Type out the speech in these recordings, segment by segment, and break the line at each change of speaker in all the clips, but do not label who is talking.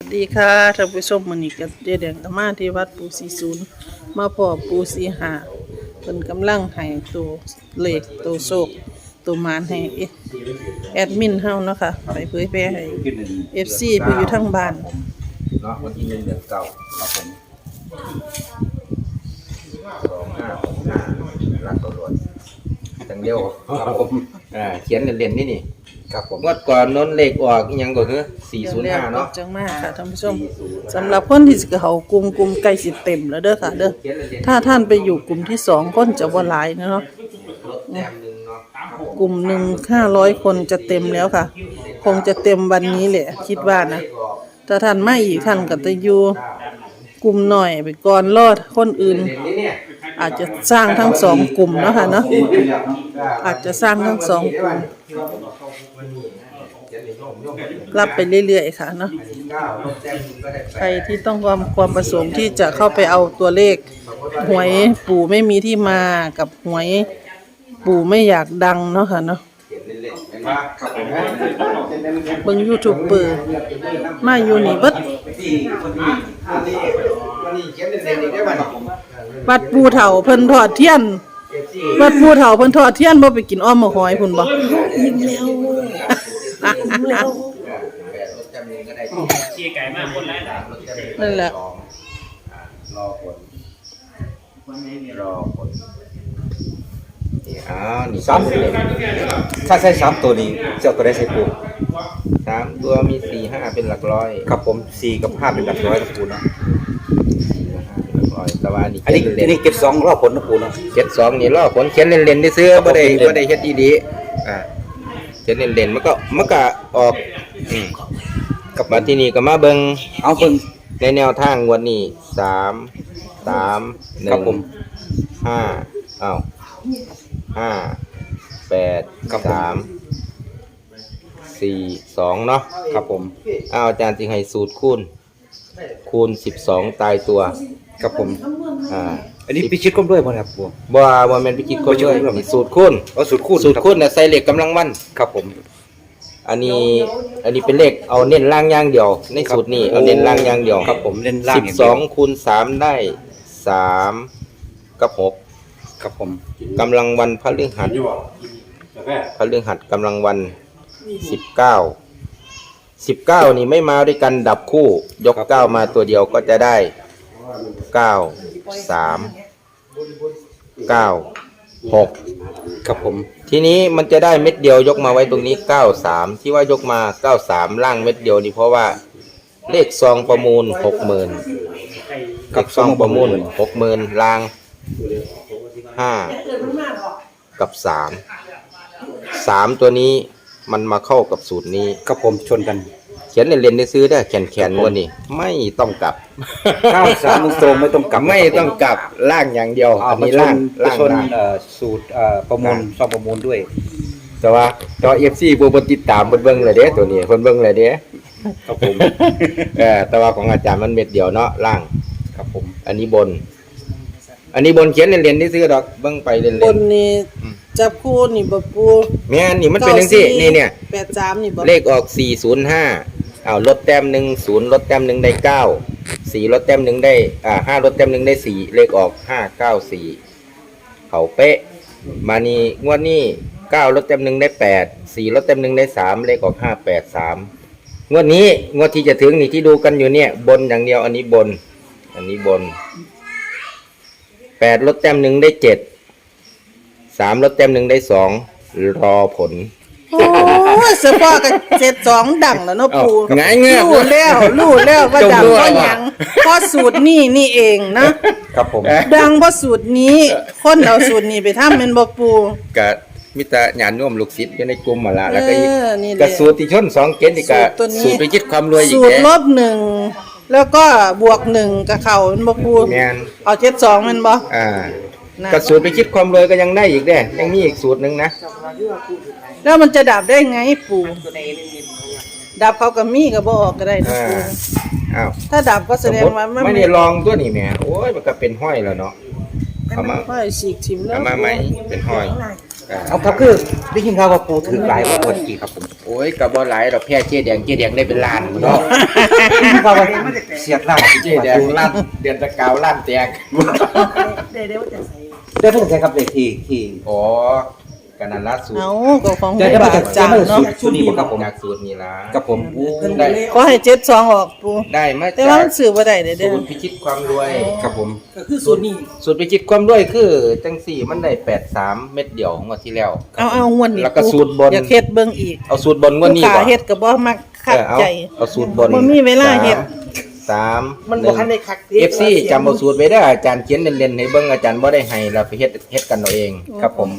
ดีค่ะท่านผู้ชมมื้อนี้ก็เจ๊แดงก็มาที่วัดปู่40มาพ่อปู่45เพิ่นกำลังให้ตัวเลขตัวโชคตัวหมานให้แอดมินเฮาเนาะค่ะไปเผยแพร่ให้ FC ผู้อยู่ทางบ้าน
เนาะวันที่1 เดือน 9ครับผม2565รักตำรวจจังเดียวครับผมเขียนเล่นๆนี่ครับผมงวดก่อนน้นเลขออกอีหยังก็คือ405เนาะ
จังมากค่ะท่านผู้ชมสำหรับคนที่สิเข้ากลุ่มใกล้สิเต็มแล้วเด้อค่ะเด้อถ้าท่านไปอยู่กลุ่มที่2คนจะบ่หลายเนาะกลุ่มหนึ่ง500 คนจะเต็มแล้วค่ะคงจะเต็มวันนี้แหละคิดว่านะถ้าท่านมาอีกท่านก็จะอยู่กลุ่มหน่อยไปก่อนรอดคนอื่นอาจจะสร้างทั้ง2กลุ่มเนาะค่ะเนาะอาจจะสร้างทั้ง2กลุ่มรับไปเรื่อยๆค่ะเนาะใครที่ต้องความประสงค์ที่จะเข้าไปเอาตัวเลขหวยปู่ไม่มีที่มากับหวยปู่ไม่อยากดังเนาะค่ะเนาะเบิ่ง YouTube เปิดมาอยู่นี่เบิดวัดปู่เฒ่าเพิ่นทอดเทียนวัดปู่เฒ่าเพิ่นทอดเทียนบ่ไปกินอ้อมมะหอยพุ่นบ่อิ่มแล้วชี้ไก่มากคนแรกนั่นแหละ
รอผลนี่3ถ้าใช้3ตัวนี้เจ้าตัวได้ใช้ปู3ตัวมี4 5เป็นหลักร้อยครับผม4กับ5เป็นหลักร้อยนะปูเนาะแต่ว่าอันนี้เก็บ2รอบผลนะปูเนาะเก็บ2นี่รอบผลเขียนเล่นๆได้ซื้อบ่ได้เฮ็ดดีๆเขียนเล่นๆมันก็ออกกับมาที่นี่ก็มาเบิ่งเอาเบิ่งในแนวทางงวดนี้3 1ครับผม5อ้าว5 8 3 4 2เนาะครับผมอาจารย์สิให้สูตรคูณ12ตายตัวครับผมอันนี้พิชิตก้มด้วยบ่ครับปู่บ่แม่นพิชิตก้มด้วยสูตรคูณสูตรคูณน่ะใส่เลขกำลังวันครับผมอันนี้เป็นเลขเอาเน้นล่างอย่างเดียวในสูตรนี้เอาเน้นล่างอย่างเดียวครับผมเน้นล่าง12คูณ3ได้3กับ6ครับผมกำลังวันพฤหัสกำลังวัน19นี่ไม่มาด้วยกันดับคู่ยก9มาตัวเดียวก็จะได้9 3 9 6ครับผมทีนี้มันจะได้เม็ดเดียวยกมาไว้ตรงนี้93ที่ว่ายกมา93ล่างเม็ดเดียวนี่เพราะว่าเลขซองประมูล 60,000กับซองประมูล 60,000ล่าง5กับ3ตัวนี้มันมาเข้ากับสูตรนี้ครับผมชนกันเขียนเล่นๆได้ซื้อได้แขนๆวันนี้ไม่ต้องกลับ93ตรงไม่ต้องกลับล่างอย่างเดียวอันนี้ล่างชนสูตรประมูลซองประมูลด้วยแต่ว่าจอ FC บ่ติดตามเบิ่งเลยเด้ตัวนี้เพิ่นเบิ่งเลยเด้ครับผมแต่ว่าของอาจารย์มันเม็ดเดียวเนาะล่างครับผมอันนี้บนเขียนเล่นๆได้ซื้อดอกเบิ่งไปเล่นๆ
บนนี่จับคู่นี่บ่ปู
แม่นนี่มันเป็นจังซี่นี่เนี่ย
83นี่บ่
เลขออก405อ้าวลดแต้ม1 0ลดแต้ม1ได้9 4ลดแต้ม1ได้5ลดแต้ม1ได้4เลขออก594เขาเป๊ะมานี่งวดนี้9ลดแต้ม1ได้8 4ลดแต้ม1ได้3เลขออก583งวดที่จะถึงนี่ที่ดูกันอยู่เนี่ยบนอย่างเดียวอันนี้บน8ลดแต้ม1ได้7 3ลดแต้ม1ได้2รอผล
โอ้ยเฉพาะกับ72ดังแล้วเนาะปู่
ไงเงี้ย
รู้แล้วว่าดังเพราะหยังเพราะสูตรนี่เองนะครับผมดังเพราะสูตรนี้คนเอาสูตรนี้ไปทำแม่นบ่ปู่
ก็มีแต่ญาติโยมลูกศิษย์อยู่ในกลุ่มมาละแล้วก็อีกสูตรที่ชน2เกณฑ์นี่ก็สูตรไปคิดความรวยอีก
สูตรลบ1แล้วก็บวก1กับเข้าแม่นบ่ปู่
แม่น
เอา72แม่นบ่
ก็สูตรไปคิดความรวยก็ยังได้อีกเด้ยังมีอีกสูตรนึงนะ
แล้วมันจะดับได้ไงปู่ดับเขาก็มีก็บ่ออกก็ได้นะปู่
อ้าว
ถ้าดับก็แสดงว่า
ไม่ได้ลองตัวนี้แหมโอ้ยมันก็เป็นห้อยแล้วเนาะ
เอามาห้อยฉีกทิ่มแล้ว
เอามาใหม่เป็นห้อย
เอาครับคือได้ยินข่าวว่าปูถือหลายว่ากี่ครับผม
โอ้ยก็บ่หลายดอกแพ้เจ๊แดงได้เป็นล้านเนาะ
ข่าวว่าเสียดล้าน
เจ๊แดงลั่นเดือนตะกาวลั่นแตก
ได้เพิ่งใช้ครับเลขที่
อ๋อกันนั้นล่าสุด
เอาก็ของ
ได้
บา
มาจาก
จางเนาะ
สูตรนี้บ่ครับผม
จากสูตรนี้ละ
กับผม
ได้
ขอให้72ออกปู
ได้มา
แต่
จา
ว่าก มันซื้อบ่ได้เด้อ
สูตรพิชิตความรวย
กับผม
สูตรพิชิตความรวยคือจังสี่มันได้83เม็ดเดียวงวดที่แล้ว
เอางวดนี้
แล้วก็สูตรบน
อยากเฮ็ดเบิ่งอีก
เอาสูตรบนงวดนี้
ลูก
บ่
ค้าเฮ็ดก็บ่มักคักใจ
เอาสูตรบน
บ่มีเวลาเฮ็ด
3
มันบ่ทันได้คัก
FC จำเอาสูตรไว้เด้ออาจารย์เขียนเล่นๆให้เบิ่งอาจารย์บ่ได้ให้เราไปเฮ็ดกันเอาเอง
ครับผม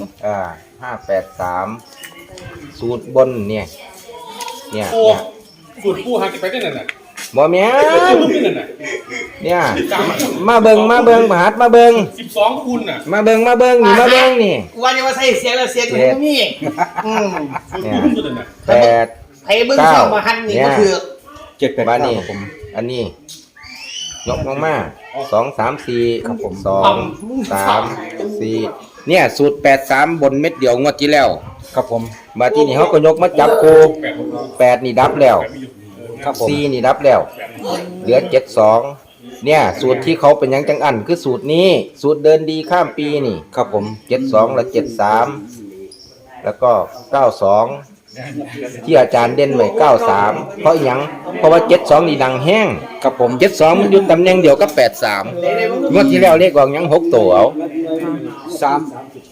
583สูตรบนเนี่ย
ปูสูตรปูหากันไปได้นั่นน่ะ
บ่แม่น
ลูกนี่นั่นน่ะ
เนี่ยมาเบิ่งบาดมาเบิ่ง
12คูณน่ะ
มาเบิ่งนี่มาเบิ่งนี่
กูว่าจะว่าใส่เสียงแล้วเสียงมันบ่มีอืม
เนี่ย
สูตรนั่นน่ะ
8
ไผเบิ่งเข้ามาหันนี่ก็คือ
7 8
บ้านนี้
ครับผม
อันนี้ยกลงมา2 3 4ครับผม2 3 4เนี่ยสูตร83บนเม็ดเดียวงวดที่แล้ว
ครับผม
มาที่นี่เขาก็ยกมาจับคู่8นี่ดับแล้ว
ครับผม
4นี่ดับแล้ว เหลือ72เนี่ยสูตรที่เขาเป็นหยังจังอันคือสูตรนี้ สูตรเดินดีข้ามปีนี่
ครับผม
72และ73แล้วก็92ที่อาจารย์เด่นไว้93เพราะหยังเพราะว่า72นี่ดังแห้ง
ครับผม
72มันอยู่ตำแหน่งเดียวกับ83งวดที่แล้วเลขออกหยัง6ตัวเอา
3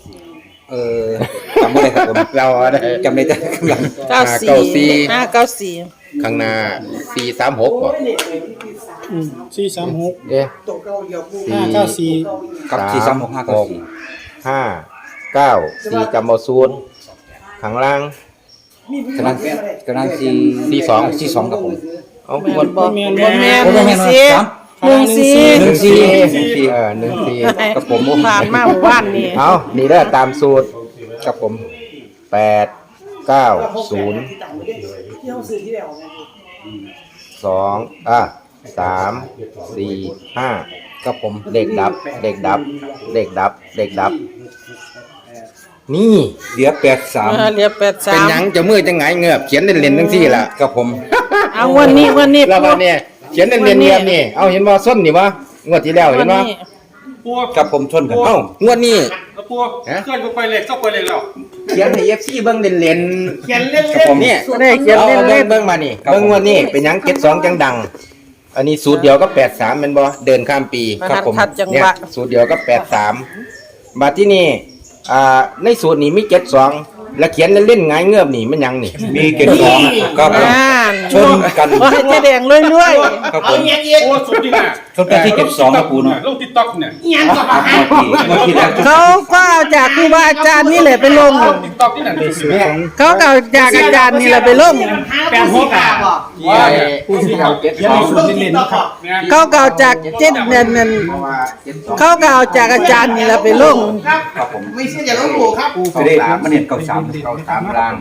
จำไม่ได้ครับผม
เราได้
จำได้แต่ข้างหลัง
94
ข้างหน้า436บ่
436
เอ๊ะ
594
กับ436 594
4 จำเอาศูนย์ข้างล่าง
กำลัง42ครับผม
เอา
แม่
หม
น
ด
บ่บ่แม่น
บ่แม่น
14
14กับผม
ผ่านมาหมู่บ้านนี่
เอานี่เด้อตามสูตร
กับผม
8 9 0 2 3 4 5
กับผม
เลขดับ นี่
เหลือ
เหลือ
เป็นหยัง
83
จะมือจะไงเงือบเขียนเล่นๆทั้งสี่ล่ะ
83กับผม
เอาวันนี้
แล้วว่าเนี่ยเขียนเล่นๆเงียบนี่เอาเห็นบ่ส้นนี่วะงวดที่แล้วเห็นบ่
ปู
กับผมชนกัน
เอ้างวดนี้
แล้วปูเคลื่อนไปเลยเข้าไปเลยแล้ว
เขียนให้ FC เบิ่งเล่น
เขียนเล่น
กับผม
ๆเนี่ย
ได้เขียน
เอา
เล่น
เบิ่งมานี่เบิ่งงวดนี้เป็นหยัง72จังดัง อันนี้สูตรเดียวกับ83แม่นบ่เดินข้ามปี
ๆมาขัดจัง
เนี่ย
หวะ
สูตรเดียวกับ83บัดที่นี่ในสูตรนี้มี72แล้วเขียนเล่นๆหงายเงือบนี่มันหยังนี่
มีเกณฑ์2ครับผม
อ่าน
ชนกัน
โอ้ยเจ๊แดงรวย
ครับผ
เอา
ม
เงี้ยเงี้ย
โอ้สุดจริงอ่ะ
ชนกันที่72ครับปูเนาะ
ลง TikTok เนี่ย
เงี้ยก็มาหัน
เมื่อกี้แล้ว
ๆเขาก็เอาจากครูบาอาจารย์นี่แหละไปลง
TikTok นี่นั่นสุด
เขาก็เอาจากอาจารย์นี่แหละไปลง
แปดหัวกาบ่
ผู้ที่เอา72
นะครับ
เขาก็เอาจากเจ็ดนั่นเขาก็เอาจากอาจารย์นี่แหละไปลง
ครับผม
ไม่ใช่อย่าลบหลู่ครับ
ไปได้มาเน้น93
ล่าง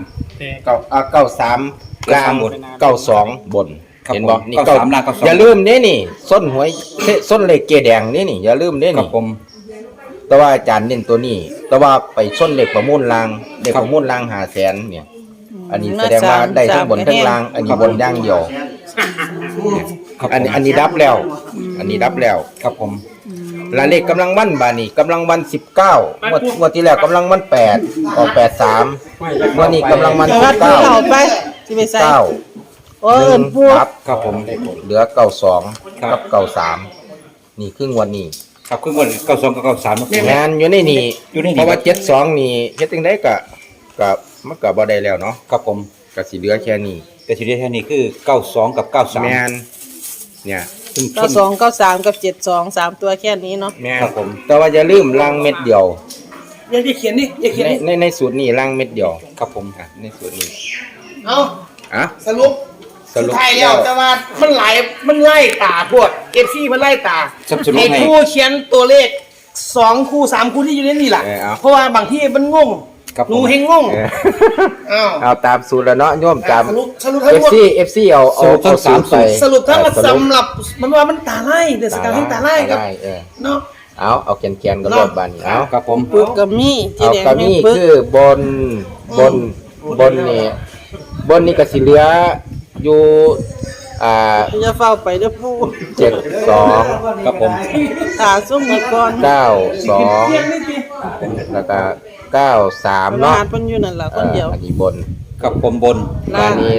93ล่าง92บน
ครับ
เห็นบ่
ผม
นี่
93ล่าง92
อย่าลืมนี่ส้นหวยส้นเลขเกแดงนี่อย่าลืม
ครั
นี่
บผม
แต่ว่าอาจารย์เน้นตัวนี้ แต่ว่าไปส้นเลขประมูลล่างเลขประมูลล่าง500,000เนี่ย อันนี้แสดงว่าได้ทั้งบนทั้งล่าง อันนี้บนอย่างเดียว
ครับผม
อันนี้ดับแล้ว อันนี้ดับแล้ว
ครับผม
และเลขกำลังวันบานี่กำลังวัน19งวดที่แล้วกำลังวัน8ออก83วันนี้กำลังวัน
แต่ว่าผู้เขาไปที่ไปใส่
19
โอ้เอิ้นพวก
ดับ
ครับผม
เหลือ92กับ93นี่คืองวดนี้
ครับคือวัน92กับ93ครับผม
งานอยู่ในนี่
อยู่ในนี่
เพราะว่า72นี่เฮ็ดจังได๋ก็มันก็บ่ได้แล้วเนาะ
ครับผม
ก็สิเหลือแค่นี้
แต่ทีเดียวแค่นี้คือ92กับ93
แม่นเนี่ย
ซึ่งชน
92 93กับ72 3ตัวแค่นี้เนาะ
แม่น
ครับผม
แต่ว่าอย่าลืมล่างเม็ดเดียว
อย่าเขียนนี่อย่าเขียนนี่
ในสูตรนี้ล่างเม็ดเดียว
ครับผม
ในสูตรนี้
เอา
อ่ะ
สรุป
สรุป
ไทยแล้วแต่ว่ามันหลายมันไล่ตาพวกเอฟซีมันไล่ตา
สรุปให้
ให้คู่เขียนตัวเลข2คู่3คู่ที่อยู่ในนี่แหละ
เอา
เพราะว่าบางที่มันงง
ครับผม
หนูเฮงงง อ้าว
เอาตามสูตรแล้วเนาะโยมตาม
สรุปทั้งหมด
FC เอาสูตรไป
สรุปทั้งหมดสำหรับมันว่ามันตาไล่เดือดสกาวทั้งตาไล่ครับ เนาะ
เอาแกนๆก็รอดบานนี่เอา
ครับผม
ปึกก็มีเจ๊
เอา
แดง
กระ
แม่
มี่
งปึก
คือบนนี่ก็สิเหลืออยู่
อย่าเฝ้าไปเด้อปู่
72
ครับผม
ตาส่งอีกก่อน
92แล้วก็93
ร
เนาะ
หัสเพิ่นอยู่นั่นล่ะคนเดียว
อันนี้บน
ครับผมบน
อันนี้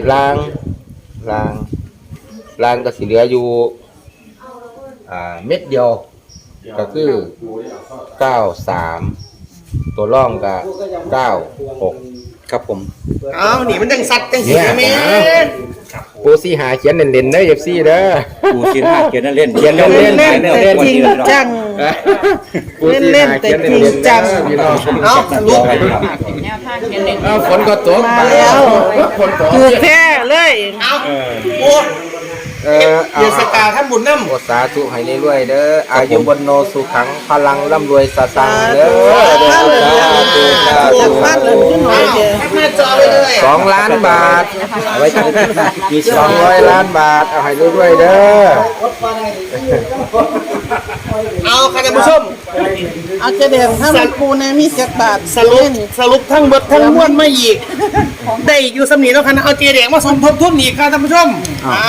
ล่างก็สิเหลืออยู่เม็ดเดียวก็คือ93ตัวร่องก็96
ครับผม
เอาหนีมันจังสัตว์จังสีแม่
ปูซี่หาเขียนเล่นๆเด้อ FC เด้อ
ปูเขียนห้าเขียนเล่น
เขียนเล่น
เล่นแต่จริงจัง เล่นๆแต่จริงจัง
เอาลูก
ฝนก็ตก
มาแล้วถูกแท้เลย
เอาโอ้ เดือนสกาวท่านบุญน้ำ
โอสาธุให้เรื่อยๆเด้ออายุบนโนสุขังพลังร่ำรวยสตังค์เด้อ
อยากฟัดเลยขึ้นหน่อยเดียว
แคปหน้าจอไปเลย
2 ล้านบาทเอาไว้ที่มี200 ล้านบาทเอาให้เรื่อยๆเด้อ
เอาค่ะท่านผู้ชม
เอาเจแดงถ้ามันปูในมีจักบาท
สรุปทั้งเบิดทั้งม้วนไม่อีก ได้อยู่สำนีแล้วคันเอาเจแดงมาสมทบทุนอีกค่ะท่านผู้ชม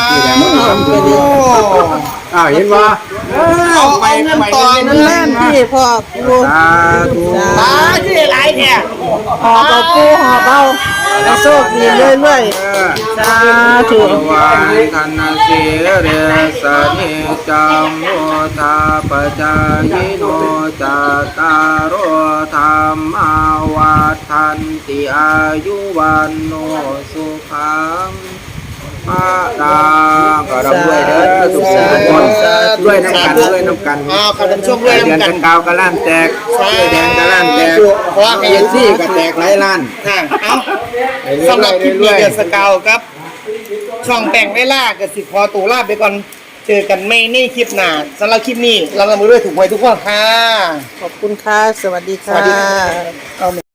เห็นว่า
เอาเงินต่อ
นั่นแหละที่พ่อปู
สาธุ
ตาที่หลายแท้
หอบเอาปูหอบเอาแล้วโชคดีเรื่อยๆสาธุ
วายธนาเสเรสเนจังโมทาปจายโนจตารโรธรรมาวัฏันติอายุวันโนสุขังพระดาก็รับด้วยเด้อทุกคนด้วยน้ำกัน
เอาค่ะท่านผู้ชมด้วย
เดือน
น้ำกั
กัน นกาวกระล้านแตกแดงกระล้านแตก
เพราะว่า
เอซี่ก็แตกหลายล้าน
เอาสำหรับคลิปนี้เดือนสกาวครับ ช่องแต่งเวลากับสิพอตูลาไปก่อนเจอกันไม่ในคลิปหน้าสำหรับคลิปนี้เราละมือด้วยถูกไว้ทุกคนค่ะ
ขอบคุณค่ะ สวัสดีค่ะ
สวัสดี เอา